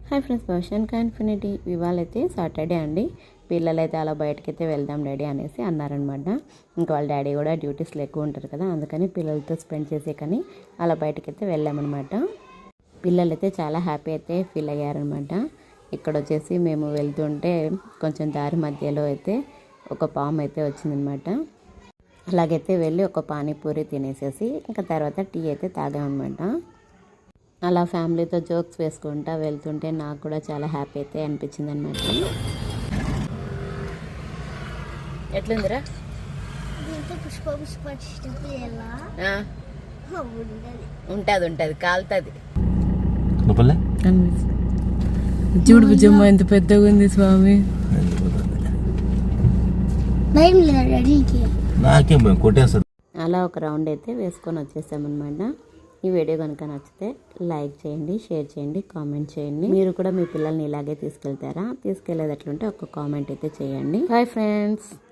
Hi friends, Bhavishyan infinity ఇవాళైతే Saturday అండి. పిల్లలైతే అలా బయటకైతే వెళ్దాం డాడీ అనేసి అన్నారనమాట. ఇంకా వాళ్ళ డాడీ కూడా డ్యూటీస్లో ఎక్కువ ఉంటారు కదా, అందుకని పిల్లలతో స్పెండ్ చేసే కానీ అలా బయటకైతే వెళ్ళామన్నమాట. పిల్లలైతే చాలా హ్యాపీ అయితే ఫీల్ అయ్యారనమాట. ఇక్కడ వచ్చేసి మేము వెళ్తుంటే కొంచెం దారి మధ్యలో అయితే ఒక పాము అయితే వచ్చిందనమాట. అలాగైతే వెళ్ళి ఒక పానీపూరి తినేసేసి ఇంకా తర్వాత టీ అయితే తాగామన్నమాట. అలా ఫ్యామిలీతో జోక్స్ వేసుకుంటా వెళ్తుంటే నాకు కూడా చాలా హ్యాపీ అయితే అనిపించింది అనమాట. ఎట్లుందిరా? ఉంటుంది కాలుతుంది. చూడు బుజ్జమ్మ ఎంత పెద్దగా ఉంది స్వామి. అలా ఒక రౌండ్ అయితే వేసుకొని వచ్చేసామన్నమాట. ఈ వీడియో కనుక నచ్చితే లైక్ చేయండి, షేర్ చేయండి, కామెంట్ చేయండి. మీరు కూడా మీ పిల్లల్ని ఇలాగే తీసుకెళ్తారా? తీసుకెళ్లేదట్లుంటే ఒక కామెంట్ అయితే చేయండి. Bye friends.